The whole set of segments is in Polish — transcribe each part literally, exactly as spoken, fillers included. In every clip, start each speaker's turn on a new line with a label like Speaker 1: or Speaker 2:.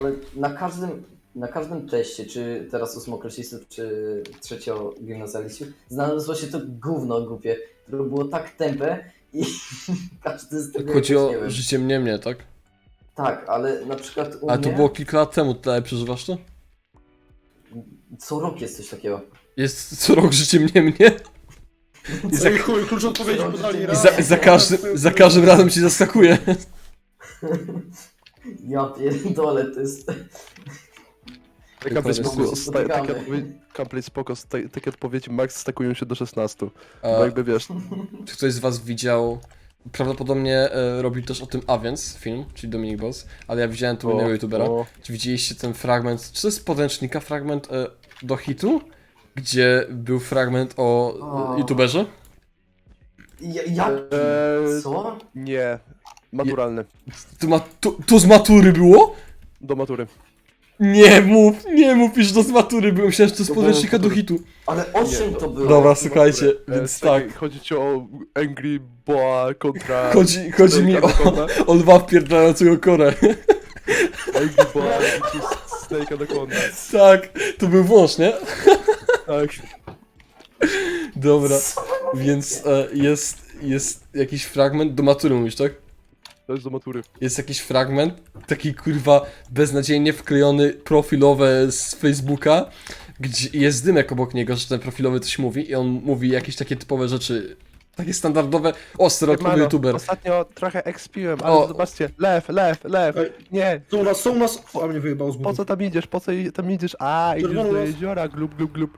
Speaker 1: Ale na każdym, na każdym teście, czy teraz ósmoklasistów, czy trzeciogimnazjalistów, znalazło się to gówno głupie, które było tak tępe i każdy z tego
Speaker 2: Chodzi
Speaker 1: jakoś,
Speaker 2: o
Speaker 1: nie wiem.
Speaker 2: życie mnie, mnie, tak?
Speaker 1: Tak, ale na przykład u
Speaker 2: Ale
Speaker 1: mnie
Speaker 2: to było kilka lat temu, tutaj przeżywasz to?
Speaker 1: co rok jest coś takiego.
Speaker 2: Jest co rok życie mnie, mnie. I za,
Speaker 3: Ej, chuj, klucz odpowiedzi
Speaker 1: Co?
Speaker 3: podali
Speaker 1: I
Speaker 2: i
Speaker 3: raz.
Speaker 2: za, za, każdym, za każdym razem ci zaskakuje.
Speaker 1: Ja pierdolę, to jest...
Speaker 4: Gameplay
Speaker 2: jest-
Speaker 4: spoko, sta- takie
Speaker 1: spotykamy.
Speaker 4: odpowiedzi, gameplay spoko, sta- takie odpowiedzi max stakują się do szesnastu.
Speaker 2: A,
Speaker 4: Bo jakby wiesz,
Speaker 2: czy ktoś z was widział... Prawdopodobnie e, robił też o tym Aviance film, czyli Dominik Boss, ale ja widziałem tu innego youtubera.
Speaker 4: o,
Speaker 2: Czy widzieliście ten fragment, czy to jest z podręcznika fragment e, do hitu? Gdzie był fragment o
Speaker 1: O.
Speaker 2: e, youtuberze?
Speaker 1: Ja, jak?
Speaker 4: Eee,
Speaker 1: Co?
Speaker 4: nie, maturalny,
Speaker 2: To, ma, to, to z matury było?
Speaker 4: do matury.
Speaker 2: Nie mów, nie mów, iż to z matury było, myślałem, że to z
Speaker 1: To
Speaker 2: podręcznika
Speaker 1: było
Speaker 2: do hitu.
Speaker 1: Ale o
Speaker 4: Nie,
Speaker 1: czym
Speaker 4: to-
Speaker 1: to było?
Speaker 2: Dobra, słuchajcie,
Speaker 4: E,
Speaker 2: więc
Speaker 4: czekaj,
Speaker 2: tak.
Speaker 4: Chodzi ci o Angry Boa kontra...
Speaker 2: Chodzi, chodzi mi o,
Speaker 4: Anaconda.
Speaker 2: o lwa wpierdalającego korę.
Speaker 4: Angry Boa versus Snake Anaconda.
Speaker 2: Tak, to był wąż, nie?
Speaker 4: Tak.
Speaker 2: Dobra, więc e, jest, jest jakiś fragment, do matury mówisz, tak?
Speaker 4: To jest do matury.
Speaker 2: Jest jakiś fragment, taki kurwa beznadziejnie wklejony profilowe z Facebooka, gdzie jest dymek obok niego, że ten profilowy coś mówi i on mówi jakieś takie typowe rzeczy, takie standardowe, o, stereotypowy
Speaker 4: Siemano,
Speaker 2: youtuber.
Speaker 4: Ostatnio trochę ekspiłem, ale
Speaker 2: O.
Speaker 4: zobaczcie, lew, lew, lew,
Speaker 3: Ej.
Speaker 4: nie,
Speaker 3: Są u nas, są u nas... A mnie wyjebał z
Speaker 4: po
Speaker 3: budu.
Speaker 4: co tam idziesz, po co i- tam idziesz, a, idziesz
Speaker 3: Czerwony
Speaker 4: do
Speaker 3: las.
Speaker 4: jeziora, glub, glub, glub.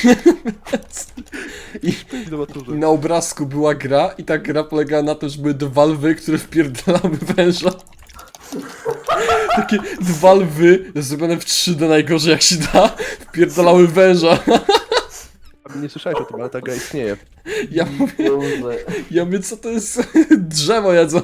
Speaker 2: I,
Speaker 4: I do maturze.
Speaker 2: I na obrazku była gra i ta gra polegała na tym, że były dwa lwy, które wpierdalały węża. Takie dwa lwy, zrobione w trzy D najgorzej jak się da, wpierdalały węża.
Speaker 4: Nie słyszałeś o tym, ale ta gra istnieje.
Speaker 2: Ja mówię,
Speaker 1: Boże.
Speaker 2: ja mówię, co to jest? Drzewo jedzą.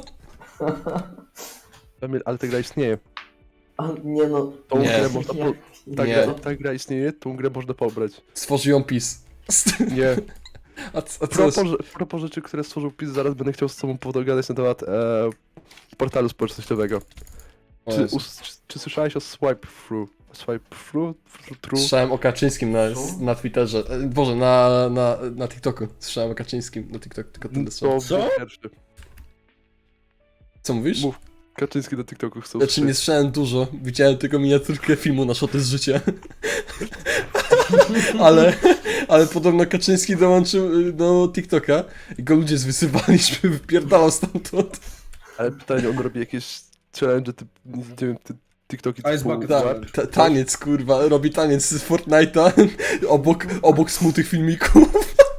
Speaker 4: Kamil, ale ta gra istnieje.
Speaker 1: A, nie no...
Speaker 4: Tą
Speaker 2: Nie.
Speaker 4: grę można po...
Speaker 1: Jak-
Speaker 4: ta,
Speaker 2: Nie.
Speaker 4: gra, ta gra istnieje, tą grę można pobrać.
Speaker 2: Stworzył ją PiS.
Speaker 4: Nie.
Speaker 2: A, co- a co jest?
Speaker 4: Propos, propos rzeczy, które stworzył PiS, zaraz będę chciał z tobą pogadać na temat e, portalu społecznościowego.
Speaker 2: O
Speaker 4: Czy,
Speaker 2: Jezu.
Speaker 4: us, czy, czy słyszałeś o swipe through? Swipe through? Through? through?
Speaker 2: Słyszałem o Kaczyńskim na, na Twitterze. E, Boże, na, na, na TikToku. Słyszałem o Kaczyńskim na TikToku, tylko tyle
Speaker 4: To
Speaker 2: słyszałem.
Speaker 3: Co?
Speaker 4: pierwszy.
Speaker 2: Co mówisz?
Speaker 4: Mów. Kaczyński na TikToku chcą
Speaker 2: Znaczy nie słyszałem dużo, widziałem tylko miniaturkę filmu na Szoty z życia. ale, ale podobno Kaczyński dołączył y, do TikToka i go ludzie zwysywali, żeby wypierdalał stamtąd.
Speaker 4: Ale pytanie, on robi jakieś challenge, typ, nie wiem, ty, TikToki
Speaker 3: Ice
Speaker 4: typu
Speaker 3: bucket
Speaker 2: Ta,
Speaker 3: challenge.
Speaker 2: ta, taniec, kurwa, robi taniec z Fortnite'a obok, obok smutnych filmików.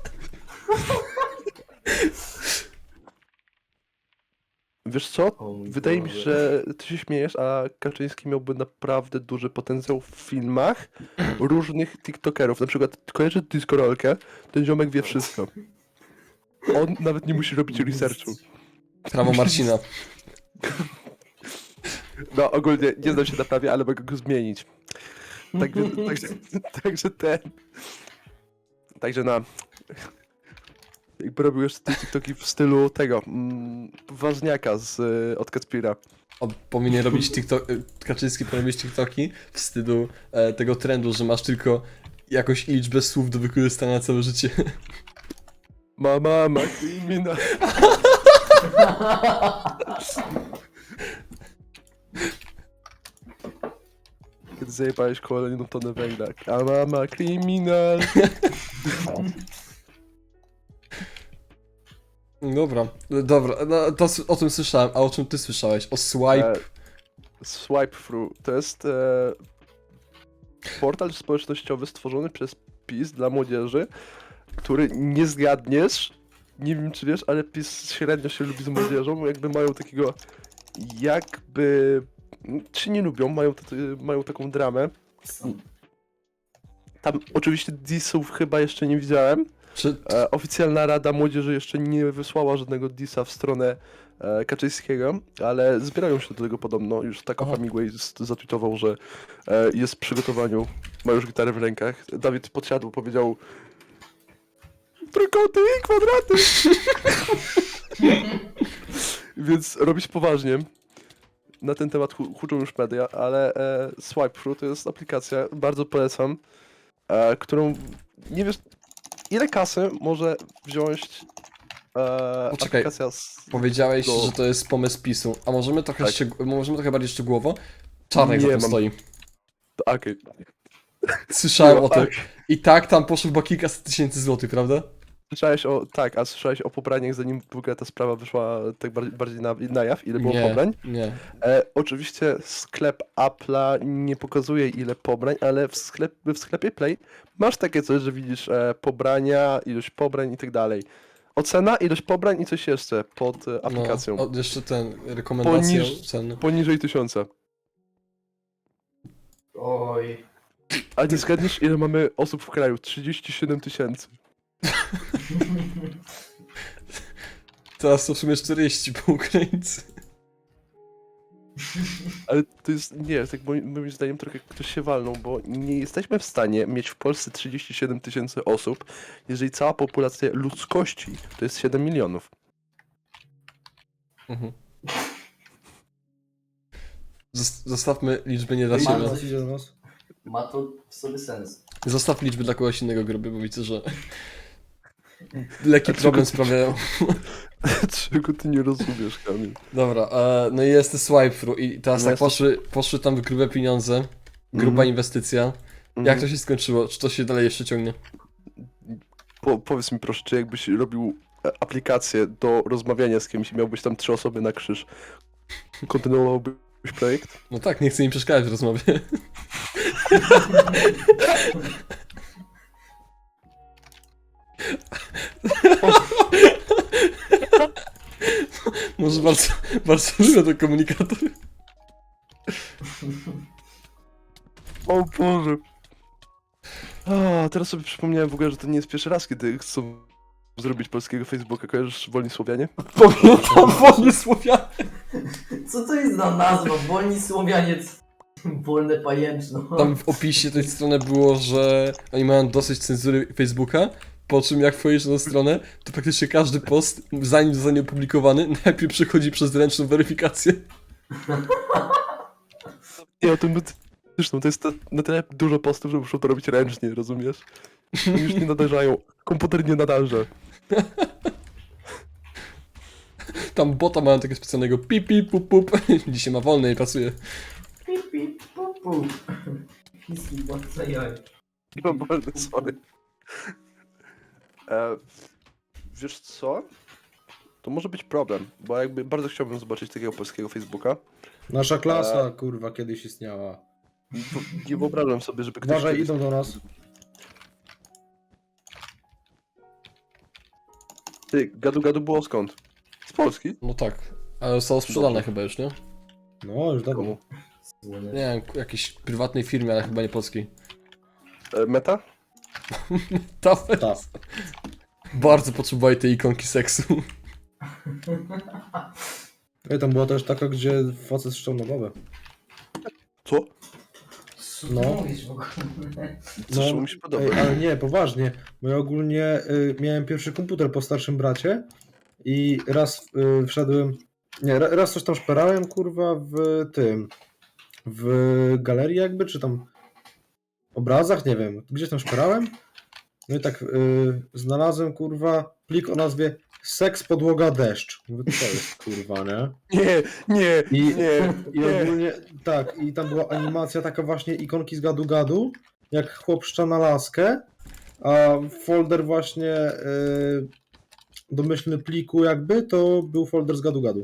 Speaker 4: Wiesz co?
Speaker 1: O mój
Speaker 4: Wydaje mi się,
Speaker 1: Boże.
Speaker 4: że ty się śmiejesz, a Kaczyński miałby naprawdę duży potencjał w filmach różnych TikTokerów. Na przykład kojarzy Discorolkę, ten ziomek wie wszystko. On nawet nie musi robić researchu.
Speaker 2: Prawo Marcina.
Speaker 4: No ogólnie nie znam się na prawie, ale mogę go zmienić. Także, także, także ten... Także na... Jakby robił jeszcze te TikToki w stylu tego, mm, Ważniaka z, y, od Kacpira.
Speaker 2: On powinien robić TikTok, y, Kaczyński powinien robić TikToki w stylu e, tego trendu, że masz tylko jakąś liczbę słów do wykorzystania na całe życie.
Speaker 4: Mama, ma kryminał. Kiedy zajebałeś kolejną tonę węgla. A mama, kryminal.
Speaker 2: Dobra, dobra, no to s- o tym słyszałem, a o czym ty słyszałeś? O swipe?
Speaker 4: E, swipe through. To jest e, portal społecznościowy stworzony przez PiS dla młodzieży, który nie zgadniesz, nie wiem czy wiesz, ale PiS średnio się lubi z młodzieżą, jakby mają takiego, jakby, czy nie lubią, mają, t- mają taką dramę. Tam oczywiście dissów chyba jeszcze nie widziałem.
Speaker 2: Czy,
Speaker 4: E, oficjalna Rada Młodzieży jeszcze nie wysłała żadnego dissa w stronę e, Kaczyńskiego, ale zbierają się do tego podobno. Już Taco
Speaker 2: Aha.
Speaker 4: Hemingway z- zatweetował, że e, jest w przygotowaniu, ma już gitarę w rękach. Dawid podsiadł, powiedział trójkąty i kwadraty! Więc robić poważnie. na ten temat hu- huczą już media, ale e, SwipeThru to jest aplikacja, bardzo polecam, e, którą nie wiesz, ile kasy może wziąć e,
Speaker 2: Poczekaj.
Speaker 4: aplikacja z...
Speaker 2: Powiedziałeś,
Speaker 4: do-
Speaker 2: że to jest pomysł PiSu, a możemy trochę,
Speaker 4: Tak.
Speaker 2: szczeg- możemy trochę bardziej szczegółowo? Czarnek za
Speaker 4: Nie
Speaker 2: tym
Speaker 4: mam.
Speaker 2: stoi.
Speaker 4: Okej.
Speaker 2: Słyszałem
Speaker 4: No,
Speaker 2: o tym.
Speaker 4: tak.
Speaker 2: I tak tam poszło chyba kilkaset tysięcy złotych, prawda?
Speaker 4: Słyszałeś o, tak, a słyszałeś o pobraniach, zanim w ogóle ta sprawa wyszła tak bardziej, bardziej na, na jaw, ile było
Speaker 2: Nie,
Speaker 4: pobrań?
Speaker 2: nie.
Speaker 4: E, oczywiście sklep Apple'a nie pokazuje ile pobrań, ale w, sklep, w sklepie Play masz takie coś, że widzisz e, pobrania, ilość pobrań i tak dalej. Ocena, ilość pobrań i coś jeszcze pod e, aplikacją.
Speaker 2: No, o, jeszcze ten, rekomendacje
Speaker 4: Poniż-
Speaker 2: cen.
Speaker 4: Poniżej tysiąca.
Speaker 1: Oj.
Speaker 4: A nie zgadniesz ile mamy osób w kraju? trzydzieści siedem tysięcy.
Speaker 2: Teraz to w sumie czterdzieści po Ukraińcy.
Speaker 4: Ale to jest, nie, tak moim, moim zdaniem trochę ktoś się walnął, bo nie jesteśmy w stanie mieć w Polsce trzydzieści siedem tysięcy osób, jeżeli cała populacja ludzkości to jest siedem milionów.
Speaker 2: Mhm. Zos- Zostawmy liczby nie dla
Speaker 1: Mam
Speaker 2: siebie.
Speaker 1: coś-
Speaker 3: Co idzie do nas?
Speaker 1: Ma to w sobie sens.
Speaker 2: Zostaw liczby dla kogoś innego gruby, bo widzę, że lekki problem sprawiają.
Speaker 4: Czego ty nie rozumiesz, Kamil?
Speaker 2: Dobra, e, no i jest SwipeThru i teraz
Speaker 4: No
Speaker 2: tak
Speaker 4: jest to-
Speaker 2: poszły, poszły tam grube pieniądze, gruba
Speaker 4: Mhm.
Speaker 2: inwestycja. Jak to się skończyło? Czy to się dalej jeszcze ciągnie?
Speaker 4: Po, powiedz mi proszę, czy jakbyś robił e, aplikację do rozmawiania z kimś i miałbyś tam trzy osoby na krzyż, kontynuowałbyś projekt?
Speaker 2: No tak, nie chcę im przeszkadzać w rozmowie. Może bardzo, bardzo lubię ten komunikator.
Speaker 4: O Boże. A, teraz sobie przypomniałem w ogóle, że to nie jest pierwszy raz, kiedy chcą zrobić polskiego Facebooka. Kojarzysz Wolni Słowianie?
Speaker 2: Pamiętam wolnie Słowianie.
Speaker 1: Co to jest za nazwa? Wolni Słowianiec. Wolne pajęczno.
Speaker 2: Tam w opisie tej strony było, że oni mają dosyć cenzury Facebooka, po czym jak wchodzisz na stronę, to praktycznie każdy post, zanim zostanie opublikowany, najpierw przechodzi przez ręczną weryfikację.
Speaker 4: Nie, o tym zresztą to jest to, na tyle dużo postów, że muszą to robić ręcznie, rozumiesz? Oni już nie nadarzają. Komputer nie nadarza.
Speaker 2: Tam bota mają takiego specjalnego pip pip pup pup. Dzisiaj ma wolne i pracuje.
Speaker 1: Pip, pip, pu, pu. Chiński władca jaj.
Speaker 4: No bardzo sorry. E, wiesz co? To może być problem, bo jakby bardzo chciałbym zobaczyć takiego polskiego Facebooka.
Speaker 3: Nasza klasa, kurwa, kiedyś istniała.
Speaker 4: Bo nie wyobrażam sobie, żeby ktoś...
Speaker 3: Uważaj,
Speaker 4: kiedyś-
Speaker 3: idą do nas.
Speaker 4: Ty, gadu gadu było skąd? Z Polski?
Speaker 2: No tak. Ale zostało sprzedane
Speaker 4: Dobrze.
Speaker 2: chyba już, nie?
Speaker 3: No, już dawno.
Speaker 4: Komu?
Speaker 1: Słonie.
Speaker 2: Nie wiem, jakiejś prywatnej firmie, ale chyba nie polskiej.
Speaker 4: E, Meta?
Speaker 2: Ta
Speaker 3: Tak.
Speaker 2: bardzo potrzebowali tej ikonki seksu.
Speaker 3: Ej, tam była też taka, gdzie facet ściągnął babę.
Speaker 4: Co?
Speaker 1: Co
Speaker 3: No.
Speaker 1: ty mówisz w ogóle?
Speaker 4: Zresztą mi się podoba.
Speaker 3: Ej, ale nie, poważnie. Bo ja ogólnie y, miałem pierwszy komputer po starszym bracie i raz y, wszedłem... Nie, ra- raz coś tam szperałem, kurwa, w tym... W galerii jakby, czy tam... obrazach, nie wiem. Gdzieś tam szperałem. No i tak y, znalazłem, kurwa, plik o nazwie Seks, podłoga, deszcz. Mówię, co to jest, kurwa, nie?
Speaker 4: Nie, nie,
Speaker 3: I,
Speaker 4: nie,
Speaker 3: I
Speaker 4: nie.
Speaker 3: ogólnie, tak, i tam była animacja taka właśnie ikonki z gadu-gadu, jak chłop szcza na laskę, a folder właśnie y, domyślny pliku jakby, to był folder z gadu-gadu.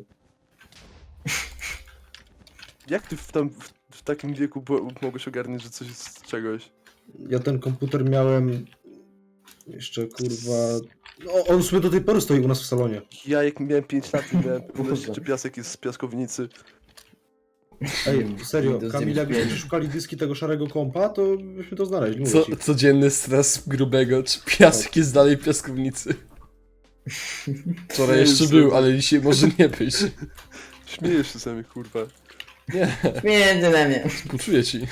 Speaker 4: Jak ty w, tam, w, w takim wieku bo, mogłeś ogarnąć, że coś jest z czegoś?
Speaker 3: Ja ten komputer miałem jeszcze, kurwa... No, on sobie do tej pory stoi u nas w salonie.
Speaker 4: Ja jak miałem pięć lat, to miałem pewność,
Speaker 1: Boże.
Speaker 4: czy piasek jest z piaskownicy.
Speaker 3: Ej, serio,
Speaker 1: Windows
Speaker 3: Kamil,
Speaker 1: dziewięć
Speaker 3: jakbyśmy
Speaker 1: pięć.
Speaker 3: szukali dyski tego szarego kompa, to byśmy to znaleźli, mówię
Speaker 2: Co,
Speaker 3: ci.
Speaker 2: codzienny stres grubego, czy piasek jest dalej w piaskownicy? Wczoraj jeszcze
Speaker 4: Jezu.
Speaker 2: był, ale dzisiaj może nie być.
Speaker 4: Śmiejesz się sami, kurwa.
Speaker 2: Nie,
Speaker 1: Między na mnie.
Speaker 2: współczuję ci.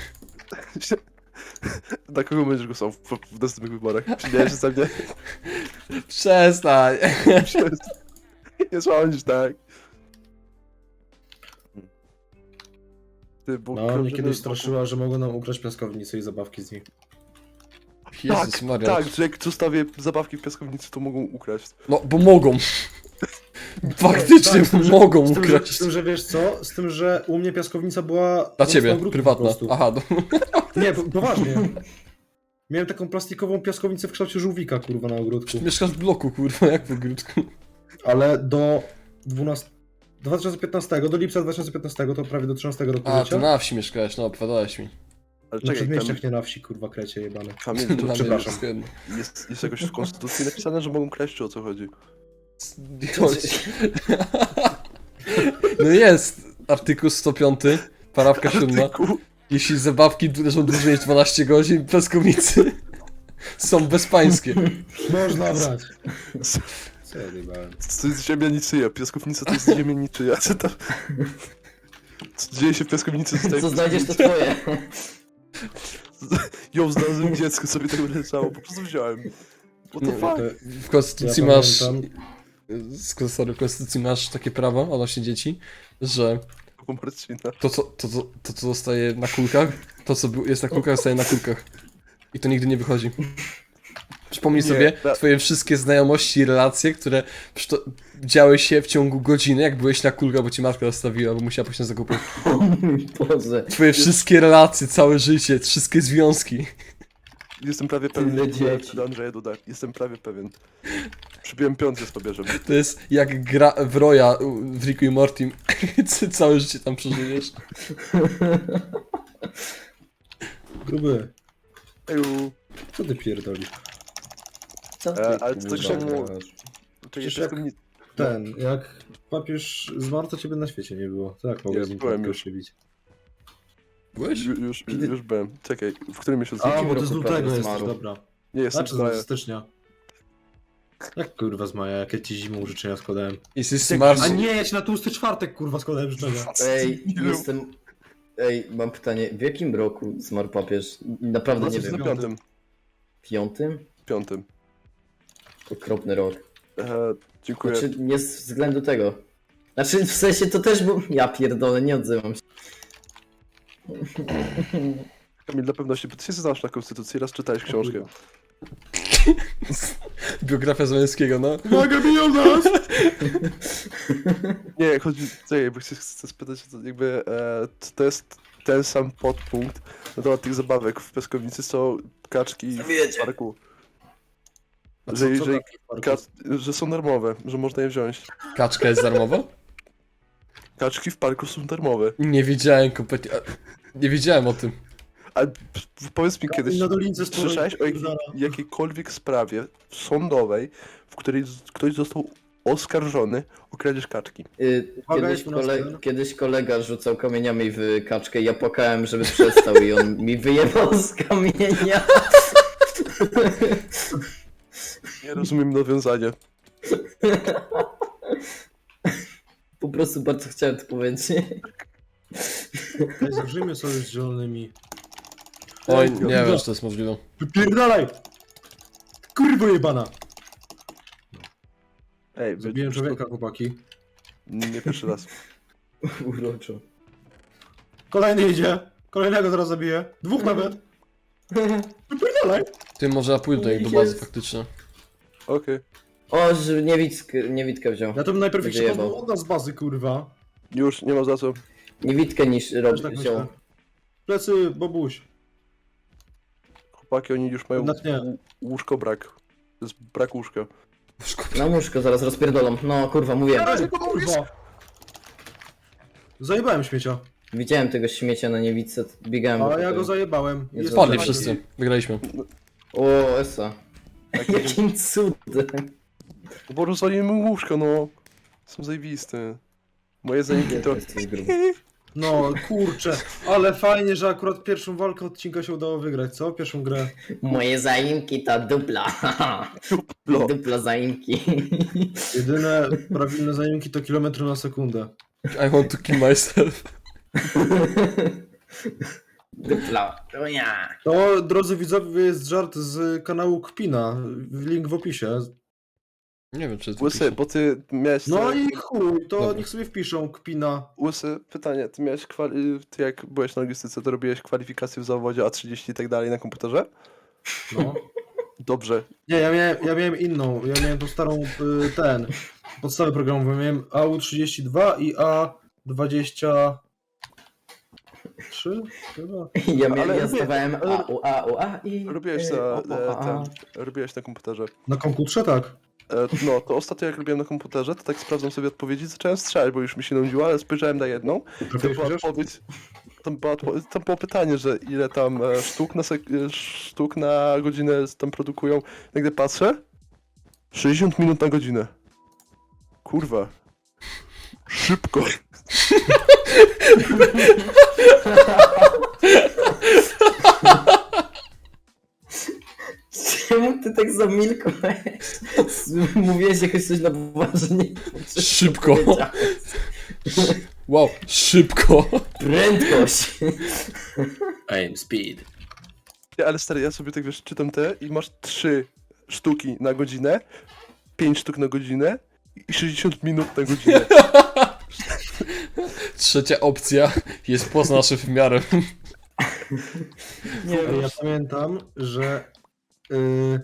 Speaker 4: Na kogo będziesz głosował w, w następnych wyborach? Śmiejesz się ze mnie?
Speaker 2: Przestań.
Speaker 4: Nie sądzisz, tak? Ty, bo
Speaker 3: No, mnie
Speaker 4: krążymy
Speaker 3: kiedyś
Speaker 4: wokół-
Speaker 3: straszyła, że mogą nam ukraść piaskownicę i zabawki z niej.
Speaker 2: Jezus
Speaker 4: Tak,
Speaker 2: Maria.
Speaker 4: tak, że jak zostawię zabawki w piaskownicy, to mogą ukraść.
Speaker 2: No, bo mogą. Faktycznie
Speaker 3: Tak, z tym, że-
Speaker 2: mogą
Speaker 3: z tym, że,
Speaker 2: ukraść.
Speaker 3: z tym, że wiesz co? Z tym, że u mnie piaskownica była...
Speaker 2: Dla
Speaker 3: na
Speaker 2: ciebie,
Speaker 3: ogródku po
Speaker 2: prywatna.
Speaker 3: prostu.
Speaker 2: Aha, no.
Speaker 3: Nie, po- poważnie. Miałem taką plastikową piaskownicę w kształcie żółwika, kurwa, na ogródku.
Speaker 2: Mieszkasz w bloku, kurwa, jak w ogródku.
Speaker 3: Ale do dwunastego... dwa tysiące piętnastego, do lipca dwa tysiące piętnastego, to prawie do trzynastego roku
Speaker 2: A,
Speaker 3: życia.
Speaker 2: to na wsi mieszkałeś, no, opowiadałeś mi.
Speaker 4: Ale
Speaker 3: Na
Speaker 4: czekaj,
Speaker 3: przedmieściach,
Speaker 4: tam
Speaker 3: nie na wsi, kurwa, krecie jebane.
Speaker 4: Kamil,
Speaker 2: Dla
Speaker 4: to
Speaker 2: mnie
Speaker 3: przepraszam.
Speaker 2: jest jedno.
Speaker 4: jest, jest jakoś w konstytucji napisane, że mogą kraść, czy o co chodzi?
Speaker 2: Nie chodź. No jest, artykuł sto pięć, parawka siódma.
Speaker 4: Artykuł.
Speaker 2: Jeśli zabawki leżą dłużej niż dwanaście godzin, piaskownicy są bezpańskie.
Speaker 3: Można brać. Co ja jebałem?
Speaker 4: To jest ziemia niczyja, piaskownica to jest ziemia niczyja. Co tam... Co dzieje się w piaskownicy? Zostaje
Speaker 1: Co
Speaker 4: w
Speaker 1: znajdziesz, to
Speaker 4: piaskownicy.
Speaker 1: twoje.
Speaker 4: Ją znalazłem dziecko, sobie tak leżało, po prostu wziąłem. What the
Speaker 2: Nie,
Speaker 4: fuck?
Speaker 3: To-
Speaker 2: W konstytucji
Speaker 3: Ja
Speaker 2: masz...
Speaker 3: pamiętam.
Speaker 2: z- Sorry, w konstytucji masz takie prawo odnośnie dzieci, że
Speaker 4: U Marcina.
Speaker 2: to co, to, co, to, co zostaje na kulkach, to co był- jest na kulkach, zostaje na kulkach. I to nigdy nie wychodzi. Przypomnij
Speaker 4: Nie,
Speaker 2: sobie
Speaker 4: na-
Speaker 2: twoje wszystkie znajomości i relacje, które przyto- działy się w ciągu godziny, jak byłeś na kulkach, bo ci matka zostawiła, bo musiała pójść na zakupy.
Speaker 1: O mój Boże.
Speaker 2: Twoje wszystkie relacje, całe życie, wszystkie związki.
Speaker 4: Jestem prawie pewien,
Speaker 1: Tyle
Speaker 4: że mówiłem
Speaker 1: dzieci.
Speaker 4: wtedy Andrzeja Duda. Jestem prawie pewien. Przybiłem piątkę z pobierzem.
Speaker 2: To jest jak gra w Roya w Ricku i Mortim. Całe życie tam przeżyjesz.
Speaker 3: Gruby,
Speaker 4: Eju.
Speaker 3: co ty pierdolisz?
Speaker 1: Co
Speaker 4: E,
Speaker 1: ty,
Speaker 4: ale to tak
Speaker 1: kurwa,
Speaker 4: samo-
Speaker 1: gadasz?
Speaker 4: Czekaj,
Speaker 3: Przecież jak-
Speaker 4: piaskownicy.
Speaker 3: Ten, jak papież zmarł, to ciebie na świecie nie było. Tak, mogę
Speaker 4: Nie,
Speaker 3: z nim
Speaker 4: byłem
Speaker 3: tylko
Speaker 4: już.
Speaker 3: się bić.
Speaker 2: Byłeś?
Speaker 4: Ju- Już, już byłem. Czekaj, w którym miesiącu?
Speaker 3: A,
Speaker 1: jakim
Speaker 3: bo to z
Speaker 1: roku
Speaker 3: lutego
Speaker 1: prawie
Speaker 3: jesteś,
Speaker 1: zmarł?
Speaker 3: dobra.
Speaker 4: Nie, jestem
Speaker 3: Znaczy
Speaker 4: z maja.
Speaker 3: z stycznia. Jak kurwa z maja, jak ja ci zimą życzenia składałem.
Speaker 2: Jesteś
Speaker 4: Jak-
Speaker 2: smart.
Speaker 3: A nie, ja ci na tłusty czwartek kurwa składałem życzenia.
Speaker 1: Ej,
Speaker 4: Ilu?
Speaker 1: jestem... Ej, mam pytanie, w jakim roku zmarł papież? Naprawdę nie
Speaker 4: No,
Speaker 1: wiem.
Speaker 4: na piątym.
Speaker 1: Piątym?
Speaker 4: Piątym.
Speaker 1: Okropny rok.
Speaker 4: E, dziękuję.
Speaker 1: Znaczy, nie z względu tego. Znaczy, w sensie to też był... Ja pierdolę, nie odzywam się.
Speaker 4: Kamil, dla pewności, bo ty się znasz na konstytucji, raz czytałeś książkę.
Speaker 2: Biografia Załęckiego, no.
Speaker 3: Uwaga, biją nas!
Speaker 4: Nie, chodzi, czekaj, bo chcę, chcę spytać, co jakby e, to jest ten sam podpunkt na temat tych zabawek w piaskownicy, co kaczki w
Speaker 1: Wiecie.
Speaker 4: parku.
Speaker 3: A co-
Speaker 4: Że,
Speaker 3: co
Speaker 4: że,
Speaker 3: taki park?
Speaker 4: ka, że są darmowe, że można je wziąć.
Speaker 2: Kaczka jest darmowa?
Speaker 4: Kaczki w parku są darmowe.
Speaker 2: Nie wiedziałem kompletnie. a- Nie wiedziałem o tym.
Speaker 4: A p- powiedz mi kiedyś,
Speaker 3: na dolince stoi,
Speaker 4: słyszałeś o jakiej,
Speaker 3: pierdala.
Speaker 4: jakiejkolwiek sprawie sądowej, w której z- ktoś został oskarżony o kradzież kaczki?
Speaker 1: Y,
Speaker 3: Uwaga,
Speaker 1: Kiedyś,
Speaker 3: jest u nas
Speaker 1: kole...
Speaker 3: ten.
Speaker 1: Kiedyś kolega rzucał kamieniami w kaczkę i ja płakałem, żeby przestał i on mi wyjebał z kamienia.
Speaker 4: Nie rozumiem nawiązania.
Speaker 1: Po prostu bardzo chciałem to powiedzieć.
Speaker 3: Ej, Zawrzyjmy sobie z zielonymi.
Speaker 2: Oj,
Speaker 3: Ej,
Speaker 2: nie
Speaker 3: kurwa,
Speaker 2: wiem, czy to jest możliwe.
Speaker 3: Wypierdalaj! Kurwo jebana!
Speaker 4: Ej, wy-
Speaker 3: Zabiłem człowieka, chłopaki.
Speaker 4: nie pierwszy raz.
Speaker 1: Uroczo.
Speaker 3: Kolejny idzie. Kolejnego zaraz zabiję. Dwóch nawet. Wypierdalaj!
Speaker 2: Ty może ja pójdę do nich do bazy
Speaker 1: Jest.
Speaker 2: faktycznie.
Speaker 4: Okej.
Speaker 1: O, że niewidkę, niewidkę wziął.
Speaker 3: Ja to bym najpierw ich
Speaker 1: Wyjebał.
Speaker 3: szkodził od nas z bazy, kurwa.
Speaker 4: Już, nie ma za co.
Speaker 1: Niewidkę niż
Speaker 3: Też
Speaker 1: robi
Speaker 3: tak
Speaker 1: wziął.
Speaker 3: myślę. Plecy, Bobuś.
Speaker 4: Chłopaki, oni już mają
Speaker 3: Jednak nie.
Speaker 4: łóżko brak. To jest brak łóżka.
Speaker 1: Na łóżko zaraz rozpierdolą. No kurwa, mówiłem.
Speaker 3: Ej, kurwa! Zajebałem śmiecia.
Speaker 1: Widziałem tego śmiecia na niewidce, biegałem.
Speaker 3: A
Speaker 1: do
Speaker 3: ja
Speaker 1: tego.
Speaker 3: go zajebałem.
Speaker 1: Nie
Speaker 3: Jest
Speaker 2: Spadli
Speaker 3: tak-
Speaker 2: wszyscy. Wygraliśmy.
Speaker 1: O, Esa. Jakim cudem.
Speaker 4: Bo rozwalimy łóżko, no. Są zajebiste. Moje zajęki to...
Speaker 1: Jesteś gruby.
Speaker 3: No kurczę, ale fajnie, że akurat pierwszą walkę odcinka się udało wygrać, co? Pierwszą grę.
Speaker 1: Moje zaimki to dupla.
Speaker 4: Duplo.
Speaker 1: Dupla zaimki.
Speaker 3: Jedyne prawilne zajęki to kilometry na sekundę.
Speaker 2: I want to kill myself.
Speaker 1: Dupla. O ja.
Speaker 3: To, drodzy widzowie, jest żart z kanału Kpina. Link w opisie.
Speaker 2: Nie wiem, czy jest
Speaker 4: Łysy,
Speaker 2: wypisane.
Speaker 4: bo ty miałeś...
Speaker 3: No
Speaker 4: te-
Speaker 3: i chuj, to
Speaker 2: Dobra.
Speaker 3: niech sobie wpiszą kpina.
Speaker 4: Łysy, pytanie, ty miałeś kwali... Ty jak byłeś na logistyce, to robiłeś kwalifikacje w zawodzie A trzydzieści i tak dalej na komputerze?
Speaker 3: No.
Speaker 4: Dobrze.
Speaker 3: Nie, ja miałem, ja miałem inną, ja miałem tą starą, y, ten, podstawę programową, miałem A U trzydzieści dwa i A dwadzieścia trzy chyba.
Speaker 1: Ja, miałem,
Speaker 4: Ale
Speaker 1: ja
Speaker 4: lubię-
Speaker 1: zdawałem
Speaker 4: ale-
Speaker 1: A, U, A, U, A i...
Speaker 4: Robiłeś
Speaker 1: e,
Speaker 4: na,
Speaker 1: o,
Speaker 4: e,
Speaker 1: o, a.
Speaker 4: ten, robiłeś na komputerze.
Speaker 3: Na komputerze tak.
Speaker 4: E, no, to ostatnio jak robiłem na komputerze, to tak sprawdzam sobie odpowiedzi, zacząłem strzelać, bo już mi się nudziło, ale spojrzałem na jedną. To
Speaker 3: Trafiłeś
Speaker 4: była
Speaker 3: chociaż?
Speaker 4: odpowiedź, tam, była, odpo- tam było pytanie, że ile tam e, sztuk, na sek- e, sztuk na godzinę tam produkują. Jak gdy patrzę, sześćdziesiąt minut na godzinę. Kurwa. Szybko.
Speaker 1: Czemu ty tak zamilkłeś? Mówiłeś jakoś coś na poważnie.
Speaker 2: Szybko.
Speaker 1: Powiedziałeś.
Speaker 2: Wow, szybko.
Speaker 1: Prędkość.
Speaker 3: Aim speed.
Speaker 4: Nie, ale stary, ja sobie tak wiesz, czytam te i masz trzy sztuki na godzinę, pięć sztuk na godzinę i sześćdziesiąt minut na godzinę.
Speaker 2: Trzecia opcja jest poza naszym wymiarem.
Speaker 1: Nie
Speaker 3: Ja
Speaker 1: wiem.
Speaker 3: pamiętam, że y,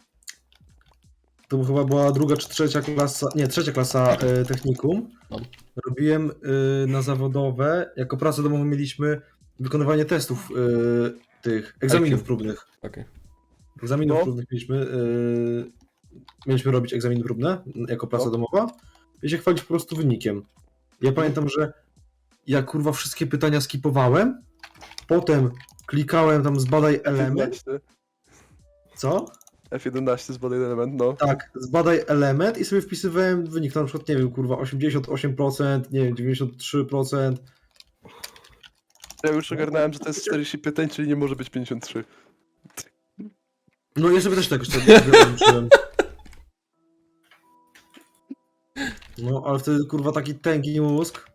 Speaker 3: to chyba była druga czy trzecia klasa, nie, trzecia klasa y, technikum.
Speaker 2: No.
Speaker 3: Robiłem y, na zawodowe, jako pracę domową mieliśmy wykonywanie testów y, tych egzaminów
Speaker 2: I Q.
Speaker 3: próbnych.
Speaker 2: Okej.
Speaker 3: Egzaminów
Speaker 4: No.
Speaker 3: próbnych mieliśmy, y, mieliśmy robić egzaminy próbne jako praca
Speaker 4: No.
Speaker 3: domowa i się chwalić po prostu wynikiem. Ja pamiętam, że ja kurwa wszystkie pytania skipowałem, potem klikałem tam zbadaj element,
Speaker 4: jedenaście.
Speaker 3: co?
Speaker 4: F jedenaście z bodaj element, no.
Speaker 3: Tak, zbadaj element i sobie wpisywałem wynik, na przykład, nie wiem, kurwa, osiemdziesiąt osiem procent, nie wiem, dziewięćdziesiąt trzy procent.
Speaker 4: Ja już ogarnąłem, że to jest czterdzieści pytań, czyli nie może być pięćdziesiąt trzy.
Speaker 3: No ja sobie też tak jeszcze wyłączyłem. No, ale wtedy, kurwa, taki tęgi mózg.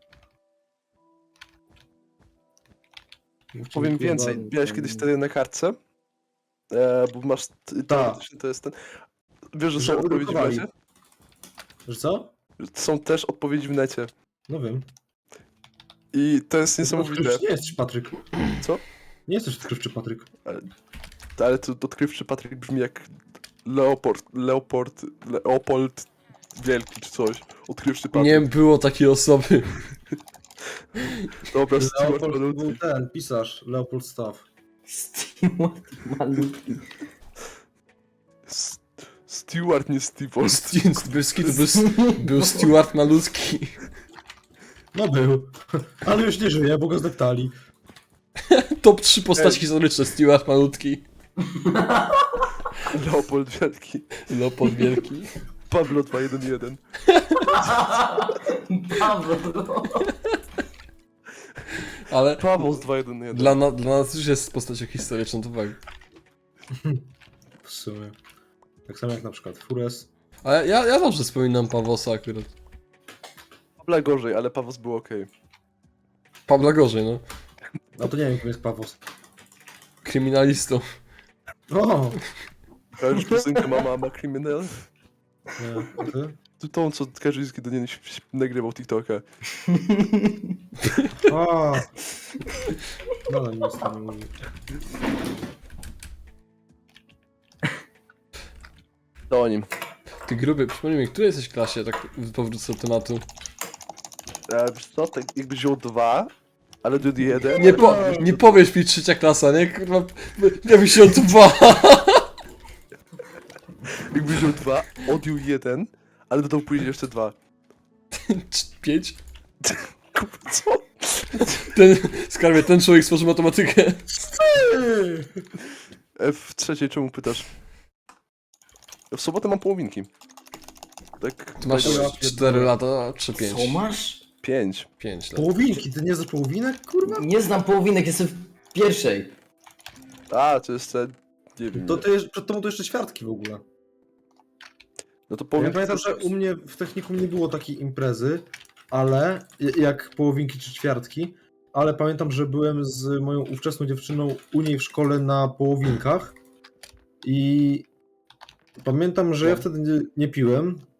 Speaker 4: Powiem
Speaker 3: Kurwa,
Speaker 4: więcej, miałeś kiedyś wtedy na kartce, e, bo masz... t-
Speaker 3: Tak.
Speaker 4: teoretycznie To jest ten... Wiesz, że
Speaker 3: Że
Speaker 4: są odpowiedzi w
Speaker 3: udrukowali.
Speaker 4: necie?
Speaker 3: Że co?
Speaker 4: Są też odpowiedzi w necie.
Speaker 3: No wiem.
Speaker 4: I to jest
Speaker 3: Ty
Speaker 4: niesamowite.
Speaker 3: Nie jesteś Patryk.
Speaker 4: Co?
Speaker 3: Nie jesteś odkrywczy Patryk.
Speaker 4: Ale to odkrywczy Patryk brzmi jak Leopold, Leopold, Leopold Wielki czy coś. Odkrywczy Patryk.
Speaker 2: Nie było takiej osoby.
Speaker 4: Dobra, Stuart
Speaker 3: Leopold był
Speaker 4: Malutki.
Speaker 3: ten, pisarz, Leopold Staff.
Speaker 1: Stewart malutki.
Speaker 4: S- Stuart, nie Steve
Speaker 2: Stu- Bez kitu, był, był Stuart malutki.
Speaker 3: No był, ale już nie żyje, bo go zdeptali.
Speaker 2: Top trzy postaci historyczne. Stuart malutki.
Speaker 4: Leopold Wielki.
Speaker 2: Leopold wielki.
Speaker 4: Pablo dwa jeden jeden.
Speaker 1: Pawlo.
Speaker 2: Ale
Speaker 4: Paweł z dwa jeden jeden.
Speaker 2: dla, na, dla nas już jest postacią historyczną, to tak.
Speaker 3: W sumie. Tak samo jak na przykład Fures.
Speaker 2: Ale ja, ja dobrze wspominam Pawłosa akurat.
Speaker 4: Pawła gorzej, ale Pawos był okej.
Speaker 2: Pawła gorzej, no.
Speaker 3: A to nie wiem, kim jest Pawos.
Speaker 2: Kryminalistą.
Speaker 3: O!
Speaker 4: Kojarzysz piosenkę Mama ma Criminal?
Speaker 3: Nie, a ty?
Speaker 4: To tą, co Kaczyński do niej nagrywał TikToka.
Speaker 3: O! Nadal mi jest tam mówi.
Speaker 4: To o nim.
Speaker 2: Ty gruby, przypomnij mi, w której jesteś klasie, tak powrócę do tematu.
Speaker 4: E, wiesz co, tak jakby wziął dwa, ale do jeden.
Speaker 2: Nie, po, nie powiesz mi trzecia klasa, nie? Kurwa, ja bym się dwa.
Speaker 4: Jakby wziął dwa, odjął jeden, ale dodał później jeszcze dwa.
Speaker 2: Pięć?
Speaker 4: Kurwa, co?
Speaker 2: Ten, skarbie, ten człowiek stworzył matematykę.
Speaker 4: E, w trzeciej czemu pytasz? W sobotę mam połowinki. Tak.
Speaker 2: Ty masz
Speaker 3: Ja
Speaker 2: cztery lata, czy pięć?
Speaker 1: Co masz?
Speaker 4: Pięć.
Speaker 2: pięć lat.
Speaker 3: Połowinki, ty nie znasz połowinek, kurwa?
Speaker 1: Nie znam połowinek, jestem w pierwszej.
Speaker 4: A, to jeszcze. Nie wiem.
Speaker 3: To
Speaker 4: ile.
Speaker 3: ty, jeszcze- przed tobą to jeszcze ćwiartki w ogóle.
Speaker 4: No to
Speaker 3: Ja
Speaker 4: połowinki.
Speaker 3: pamiętam,
Speaker 4: to
Speaker 3: że
Speaker 4: jest-
Speaker 3: u mnie w technikum nie było takiej imprezy, ale jak połowinki czy ćwiartki, ale pamiętam, że byłem z moją ówczesną dziewczyną u niej w szkole na połowinkach i pamiętam, że ja wtedy nie, nie piłem,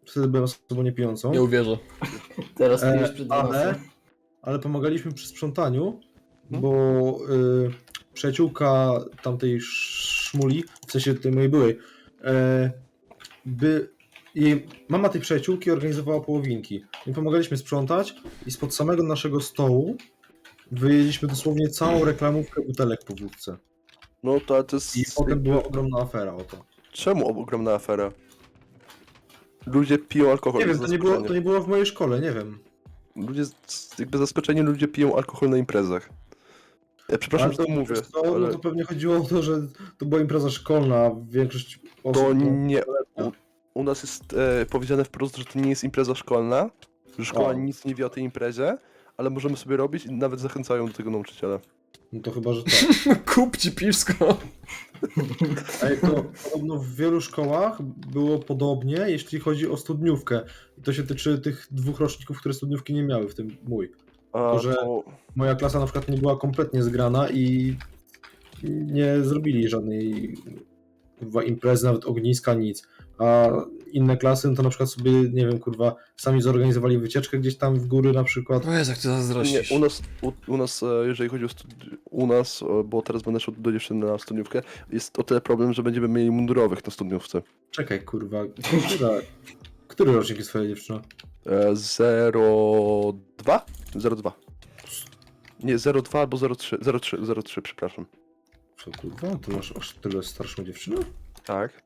Speaker 3: wtedy byłem osobą niepijącą.
Speaker 2: Nie uwierzę.
Speaker 1: Teraz
Speaker 3: E,
Speaker 1: pijesz przed
Speaker 3: ale,
Speaker 1: nosem.
Speaker 3: ale pomagaliśmy przy sprzątaniu,
Speaker 4: Hmm?
Speaker 3: bo y, przyjaciółka tamtej szmuli, w sensie tej mojej byłej, e, by, jej mama tej przyjaciółki organizowała połowinki. My pomagaliśmy sprzątać i spod samego naszego stołu wyjedliśmy dosłownie całą reklamówkę butelek po wódce.
Speaker 4: No to, to jest...
Speaker 3: I potem
Speaker 4: jakby-
Speaker 3: była ogromna afera o to.
Speaker 4: Czemu ogromna afera? Ludzie piją alkohol.
Speaker 3: Nie wiem,
Speaker 4: z
Speaker 3: to nie, było,
Speaker 4: zaskoczenia.
Speaker 3: to nie było w mojej szkole, nie wiem.
Speaker 4: Ludzie, z- jakby zaskoczeni ludzie piją alkohol na imprezach. Ja przepraszam,
Speaker 3: Ale
Speaker 4: że to mówię,
Speaker 3: wiesz co,
Speaker 4: ale
Speaker 3: no to pewnie chodziło o to, że to była impreza szkolna, a większość osób...
Speaker 4: to
Speaker 3: no,
Speaker 4: nie... U, u nas jest e, powiedziane wprost, że to nie jest impreza szkolna, że szkoła
Speaker 3: O.
Speaker 4: nic nie wie o tej imprezie, ale możemy sobie robić i nawet zachęcają do tego nauczyciele.
Speaker 3: no to chyba, że tak.
Speaker 2: Kup ci piwsko.
Speaker 3: A jak to podobno w wielu szkołach było podobnie, jeśli chodzi o studniówkę. I to się tyczy tych dwóch roczników, które studniówki nie miały, w tym mój.
Speaker 4: A
Speaker 3: To, że-
Speaker 4: to...
Speaker 3: Moja klasa na przykład nie była kompletnie zgrana i nie zrobili żadnej kurwa, imprezy, nawet ogniska, nic. A inne klasy no to na przykład sobie, nie wiem, kurwa, sami zorganizowali wycieczkę gdzieś tam w góry na przykład.
Speaker 2: O Jezu, jak ty
Speaker 4: Nie,
Speaker 2: zazdrościsz.
Speaker 4: u nas, u, u nas, e, jeżeli chodzi o studi- u nas, e, bo teraz będę szedł do dziewczyny na studniówkę, jest o tyle problem, że będziemy mieli mundurowych na studniówce.
Speaker 3: Czekaj, kurwa, która, który rocznik jest twoja dziewczyna?
Speaker 4: E, zero dwa? zero dwa. Nie, zero dwa albo zero trzy, zero trzy, zero trzy, przepraszam.
Speaker 3: Co, kurwa, ty masz aż tyle starszą dziewczynę?
Speaker 4: Tak.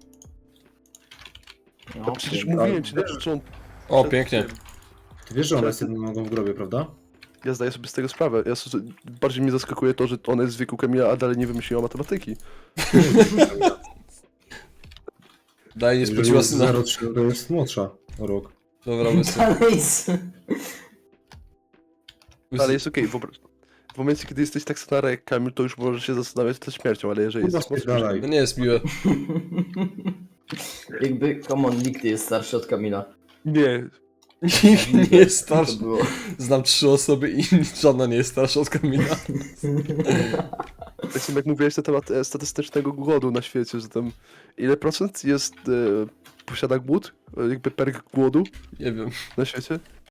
Speaker 1: No,
Speaker 4: To przecież
Speaker 1: pięknie.
Speaker 4: mówiłem ci, dobrze, że on...
Speaker 2: O, pięknie.
Speaker 3: Ty wiesz, że ona jest jedną nogą w grobie, prawda?
Speaker 4: Ja zdaję sobie z tego sprawę. Ja, s- bardziej mnie zaskakuje to, że ona jest z wieku Kamila, a dalej nie wymyśliła matematyki.
Speaker 2: Daj, nie
Speaker 3: Jeżeli
Speaker 2: spociła
Speaker 3: jest
Speaker 2: syna.
Speaker 3: zero trzy, to jest młodsza o rok.
Speaker 2: Dobra, łysy.
Speaker 1: Dalej z...
Speaker 4: Ale jest okej, wyobraź... W momencie, kiedy jesteś tak stary jak Kamil, to już możesz się zastanawiać nad śmiercią, ale jeżeli
Speaker 3: Kurwa,
Speaker 4: jesteś mocno...
Speaker 3: spierdalaj.
Speaker 2: To nie jest miłe.
Speaker 1: Jakby, come on, nikt nie jest starszy od Kamila.
Speaker 4: Nie,
Speaker 2: Nikt nie jest
Speaker 1: To
Speaker 2: starszy.
Speaker 1: było.
Speaker 2: Znam trzy osoby i żadna nie jest starsza od Kamila.
Speaker 4: tak samo jak mówiłeś na temat e, statystycznego głodu na świecie, że tam ile procent jest, e, posiada głód, e, jakby per głodu
Speaker 2: Nie wiem.
Speaker 4: na świecie?